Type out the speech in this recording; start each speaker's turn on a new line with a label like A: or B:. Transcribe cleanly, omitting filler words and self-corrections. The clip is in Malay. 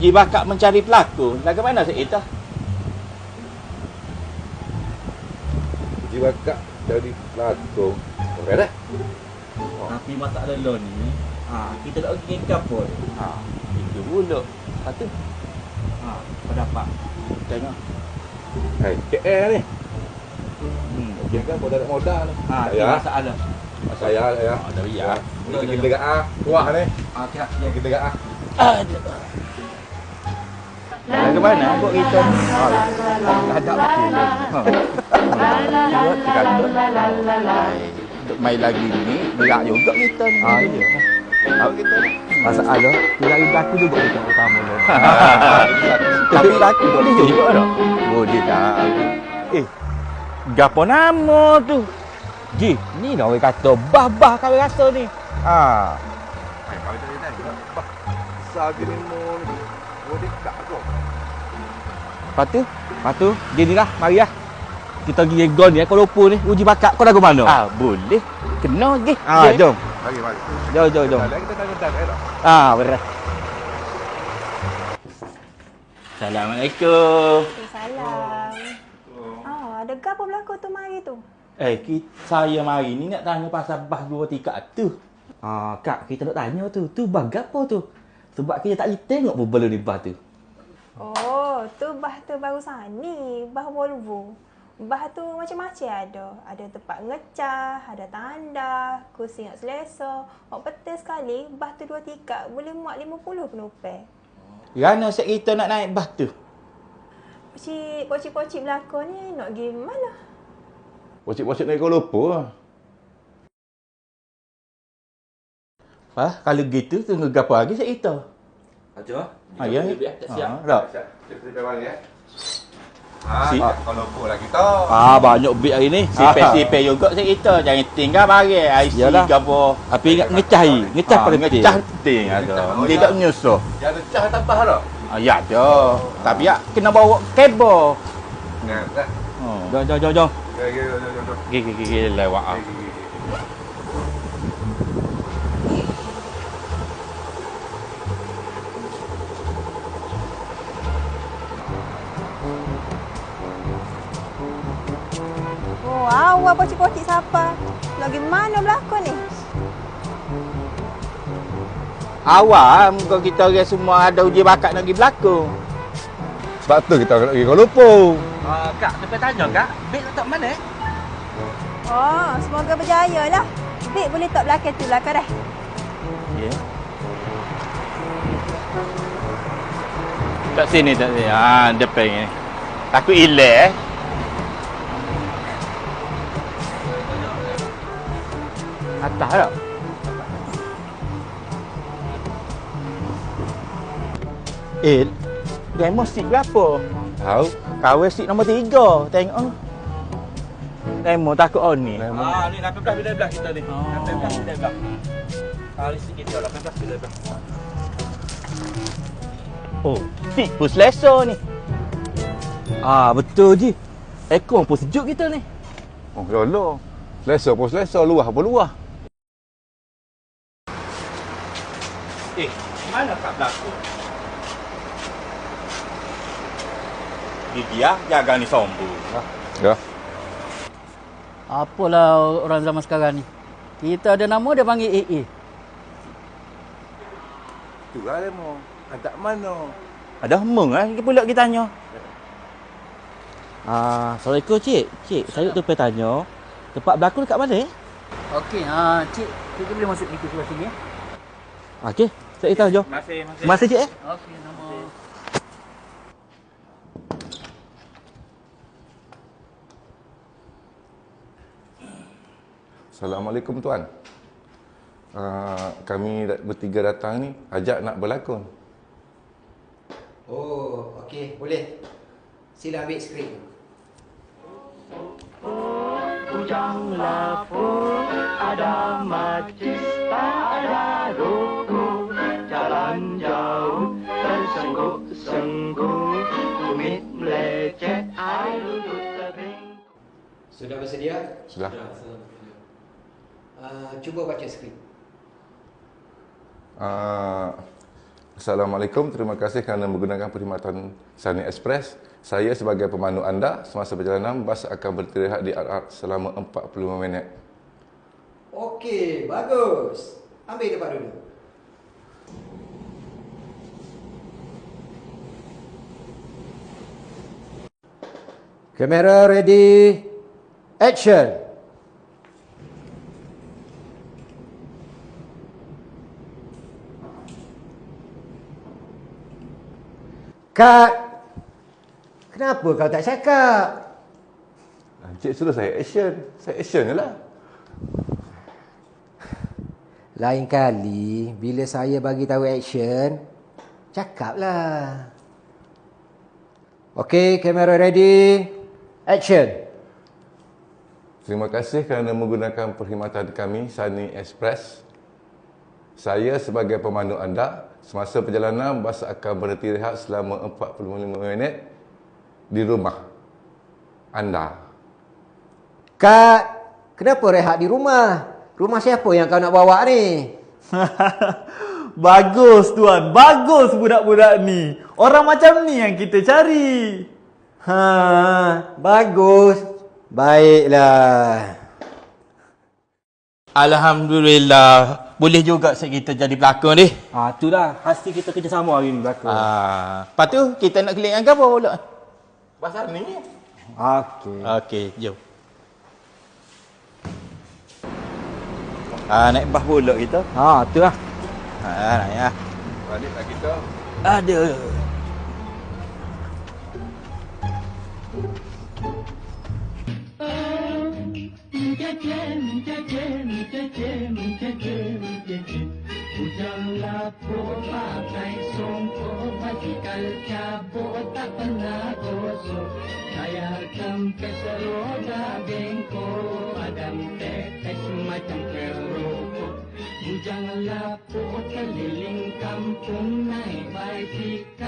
A: Uji bakat mencari pelakon. Lagu mana Cik Ita?
B: Uji bakat dari pelakon. Okey dah.
C: Tapi masalah lo ni, kita nak pergi ke apa?
A: Itu pula. Lepas tu,
C: Kau dapat.
A: tengok.
B: Hai, KL ni. Okey kan modal ni.
C: Itu masalah.
B: Saya.
A: Dah biar.
B: Kita dekat kuah ni.
C: Okey,
B: Kita dekat
A: Lagu mana buat kita ni?
B: ada okey.
A: Buat kata. Untuk main lagi ni, berat juga kita ni.
B: Iya.
A: Tahu kita ni.
B: Masalah lagi berlaku juga kita utama ni.
A: Tapi laki boleh juga tak?
B: Boleh dah.
A: Gapo nama tu? Ji, ni dah orang kata bah-bah kau rasa ni.
B: Hai, kau tadi dah. Besar gini mu ni. Boleh tak tu?
A: Lepas tu, gini lah, mari lah. Kita pergi gol ni, Kuala Lumpur ni, uji bakat kau dah ke mana? Boleh. Kena pergi. Jom.
B: Mari.
A: Jom.
B: Lagi kita tanya dah.
A: Berat. Assalamualaikum.
D: Salam. Ada gapo berlaku tu mari tu?
A: Saya mari ni nak tanya pasal bah 2 tikat tu. Kak, kita nak tanya tu. Tu bah gapo tu? Sebab kita tak boleh tengok pun belum ni bah tu.
D: Oh, tu bah tu barusan ni, bah Volvo. Bah tu macam-macam ada. Ada tempat ngecah, ada tanda, kursi nak selesa. Betul sekali, bah tu 2 tikat boleh muat 50 penumpang.
A: Rana set kita nak naik bah tu?
D: Pocik-pocik berlakon ni nak pergi mana?
B: Pocik-pocik naik Kuala Lumpur.
A: Kalau gitu, tunggu gapo lagi set kita?
C: Aja.
A: Ya.
C: Siap.
A: Tak.
B: Kita balik ya. Kuala Lumpur lah kita.
A: Banyak bit hari ni. Sipir-sipir juga set kita. Jangan tinggal barang. IC
C: Yalah.
A: gapo.
C: Tapi ingat ngecah ni. Ngecah pada
A: ngecah penting ada. Tidak menyusuh.
B: Dia ada cah tambah tak?
A: Ya ada. Tapi ya kena bawa kabel.
B: Nah, dah.
A: Jom.
B: Jom.
A: Gigi lewat.
D: Oh, awal pocik-pocik siapa? Lagi mana berlakon ni?
A: Awal muka kita orang semua ada uji bakat nak pergi berlakon.
B: Sebab tu kita nak pergi Kuala Lumpur.
C: Kak, sampai tanya Kak, beg letak mana?
D: Oh, semoga berjaya lah. Bik boleh tak belakang tu belakang dah.
A: Ya. Kat sini. Depan ni. Takut hilang Atas tak? Demo seat berapa?
B: Tahu?
A: Kawal seat nombor 3. Tengok. Demo takut on ni.
C: Ni 18 bila kita ni. 18 bila. Kali sikit dia 18 bila.
A: Seat pun selesa ni. Betul je. Aircon pun sejuk kita ni.
B: Oh, lolo. Selesa pun selesa, luah pun luah.
A: Mana kat belakang? Dia jaga ni sombong.
B: Ya.
E: Apalah orang zaman sekarang ni. Kita ada nama dia panggil AA.
B: Tu lah demo. Ada mana?
A: Ada hemeng pula kita tanya.
E: Assalamualaikum cik. Cik, saya tu pergi tanya. Tempat berlakon dekat mana? Okey, cik, kita boleh masuk itu sebelah sini ya.
A: Okey, saya tahu jom. Masih cik
E: Okey, nama.
B: Assalamualaikum tuan. Kami bertiga datang ni ajak nak berlakon.
F: Oh, okey, boleh. Sila ambil skrip.
G: Ujang lapur ada majlis, ada ruku, jalan jauh tersengguk-sengguk, tumit melecet, air lutut tebing.
F: Sudah bersedia?
B: Sudah.
F: Cuba baca skrip.
B: Assalamualaikum, terima kasih kerana menggunakan perkhidmatan Sunny Express. Saya sebagai pemandu anda, semasa perjalanan bas akan beristirahat di RR selama 45 minit.
F: Okey, bagus. Ambil tempat dulu.
H: Kamera ready. Action. Cut. Kenapa kau tak cakap?
B: Cik suruh saya action. Saya action je lah.
H: Lain kali, bila saya bagi tahu action, cakaplah. Okey, kamera ready. Action.
B: Terima kasih kerana menggunakan perkhidmatan kami, Sunny Express. Saya sebagai pemandu anda, semasa perjalanan bas akan beristirahat selama 45 minit di rumah anda.
H: Cut. Kenapa rehat di rumah? Rumah siapa yang kau nak bawa ni?
A: Bagus tuan, bagus budak-budak ni. Orang macam ni yang kita cari.
H: Bagus. Baiklah.
E: Alhamdulillah. Boleh juga set kita jadi pelakon ni.
A: Itulah hasil kita kerjasama hari ni belakang.
E: Lepas tu kita nak keliling apa pula?
B: Pasal ni.
H: Okey.
E: Okey, jom. Naik bas pula kita.
H: Tu lah.
E: Naik lah.
B: Baliklah kita.
E: Aduh.
G: Janganlah pakai songkok, basikal cabut tak pernah gosok. Saya kempes roda bengkok, adam tetes macam kerokok. Janganlah keliling kampung naik basikal.